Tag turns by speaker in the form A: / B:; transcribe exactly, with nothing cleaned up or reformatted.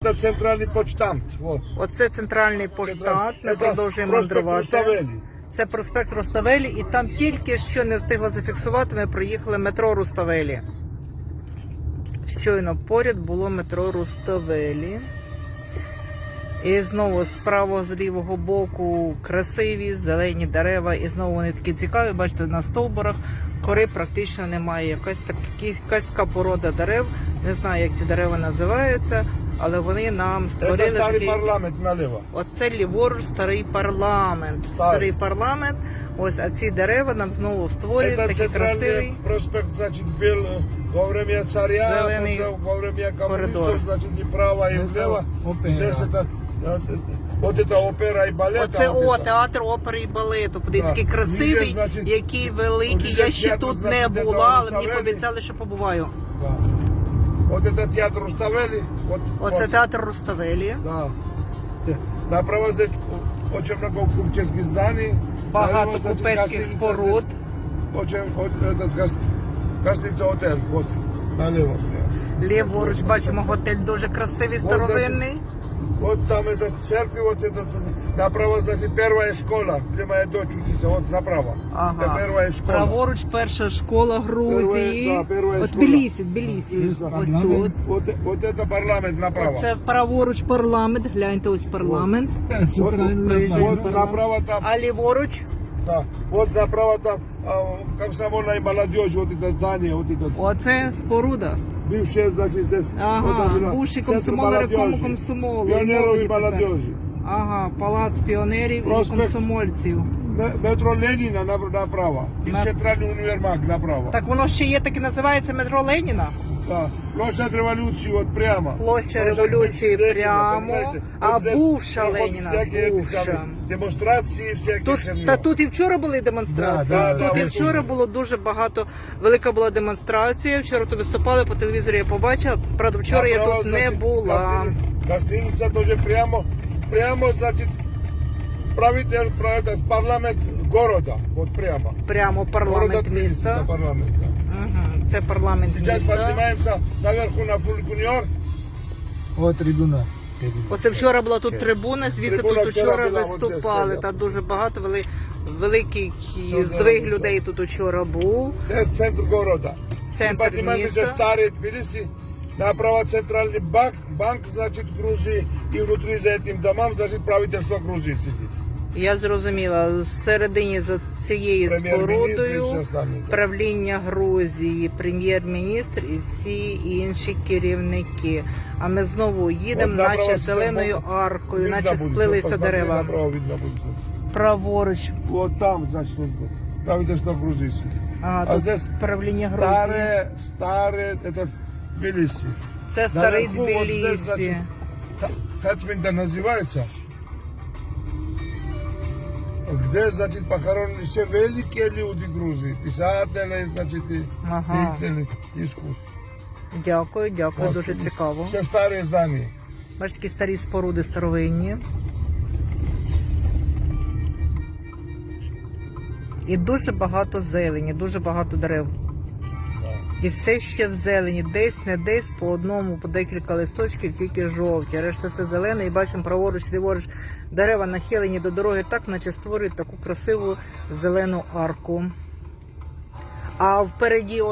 A: Це центральний почтамт. О.
B: Оце центральний поштамт, ми
A: Це
B: продовжуємо
A: проспект
B: мандрувати.
A: Руставелі.
B: Це проспект Руставелі, і там тільки що не встигла зафіксувати, ми проїхали метро Руставелі. Щойно поряд було метро Руставелі. І знову з правого, з лівого боку красиві, зелені дерева. І знову вони такі цікаві. Бачите, на стовбурах кори практично немає. Якась, так, якась така порода дерев. Не знаю, як ці дерева називаються, але вони нам створили
A: Це старий
B: такий...
A: парламент наліво.
B: Оце ліворуч старий парламент.
A: Так.
B: Старий парламент. Ось, а ці дерева нам знову створюють
A: Це
B: такий
A: центральний
B: красивий
A: проспект, значить, був во время царя,
B: Зелений
A: во время
B: коридор.
A: комуністів, значить, і право, і вліво. Здесь это, от це опера і балет.
B: Оце о, театр опери і балету. Подивіться, який
A: Так.
B: красивий,
A: Ніде, значить,
B: який великий. Я
A: ніде
B: ще
A: театр,
B: тут
A: значить,
B: не
A: де
B: була,
A: там
B: але мені
A: Руставелі.
B: пообіцяли, що побуваю.
A: Да. От це театр Руставелі. От,
B: Оце
A: от,
B: театр Руставелі.
A: да. Направо здесь очень много купеческих зданий.
B: Багато
A: Наліво, значить,
B: купецьких
A: гостиниця
B: споруд.
A: здесь. Очень, от, этот, гос- гостиниця отель. От, наліво.
B: Ліворуч бачимо готель дуже красивий, старовинний.
A: Вот там эта церковь, вот этот, направо, значит, первая школа, где моя дочь учится, вот направо.
B: Ага.
A: Это первая школа.
B: Праворуч перша школа Грузії.
A: Перша, да, перша
B: От
A: школа.
B: Тбілісі, Тбілісі. Ось тут.
A: Вот, вот это парламент направо.
B: Це праворуч парламент. Гляньте, ось парламент.
A: Вот, вот направо там,
B: А ліворуч?
A: да, вот направо там а, комсомольная молодежь, вот это здание, вот это.
B: Оце споруда.
A: Бывшее, значит, здесь.
B: Ага,
A: вот это,
B: бувший
A: центр
B: комсомол,
A: молодежи,
B: райкому комсомолу.
A: Пионеров
B: молоді
A: и
B: тепер.
A: молодежи.
B: Ага, палац піонерів
A: Проспект.
B: і комсомольців.
A: Ме- Метро Ленина на- направо. И
B: Мет-
A: центральный универмаг направо.
B: Так воно ще є, так і називається метро Леніна?
A: Да. Площадь революции вот прямо.
B: Площа
A: Площадь
B: Революції
A: бывшей Ленина,
B: прямо,
A: понимаете?
B: а
A: Вот здесь
B: бувша
A: проходят
B: Леніна,
A: всякие эти
B: бувша.
A: самые демонстрации, всякие
B: Тут,
A: херни.
B: та тут і вчора були демонстрації.
A: Да, да,
B: тут
A: да,
B: і
A: ось
B: вчора
A: тут.
B: було дуже багато, велика була демонстрація. Вчора тут виступали по телевізору, я побачила. Правда, вчора я
A: Направо,
B: тут не
A: значит,
B: була.
A: гостини- Гостиница тоже прямо, прямо, значит, правитель, правитель, парламент города, вот прямо.
B: Прямо парламент
A: Города Тбилиси,
B: міста.
A: да, парламент, да.
B: Угу. Це парламент
A: Сейчас
B: міста.
A: поднимаемся наверху на фуникулер.
C: О, трибуна.
B: Оце вчора була тут трибуна, звідси
A: Трибуна
B: тут
A: вчора
B: вчора
A: була, от
B: виступали.
A: десь,
B: Та дуже багато, вели, великий
A: Все,
B: здвиг
A: все.
B: людей тут вчора був.
A: Здесь центр города.
B: Центр
A: И поднимаемся,
B: міста.
A: здесь старый Тбилиси. Направо центральный банк, банк, значит, Грузии. И внутри за этим домом, значит, правительство Грузии сидит.
B: Я зрозуміла, всередині за цією
A: Прем'єр-міністр і
B: спорудою
A: все остальне, так.
B: правління Грузії, прем'єр-міністр і всі інші керівники. А ми знову їдемо,
A: Вот направо
B: наче
A: сейчас
B: зеленою
A: будет.
B: аркою,
A: Видно
B: наче
A: будет,
B: сплилися
A: вот посмотри,
B: дерева.
A: Направо видно будет.
B: Праворуч,
A: Вот там, значит, вот правительство Грузии сидит.
B: а,
A: А
B: тут
A: здесь
B: правління Грузії.
A: старые, старые, это Тбилиси.
B: Це старий
A: Наверху вот здесь, значит,
B: Тбілісі.
A: Та- Тацминда называется, где, значит, похоронены все великие люди Грузии, писатели, значит, и
B: Ага.
A: деятели искусств.
B: Дякую, дякую,
A: Вот.
B: дуже цікаво.
A: Все старые здания.
B: Бачите, такі старі споруди старовинні. І дуже багато зелені, дуже багато дерев. І все ще в зелені, десь, не десь, по одному, по декілька листочків, тільки жовті. А решта все зелене, і бачимо праворуч, ліворуч дерева нахилені до дороги так, наче створюють таку красиву зелену арку. А впереді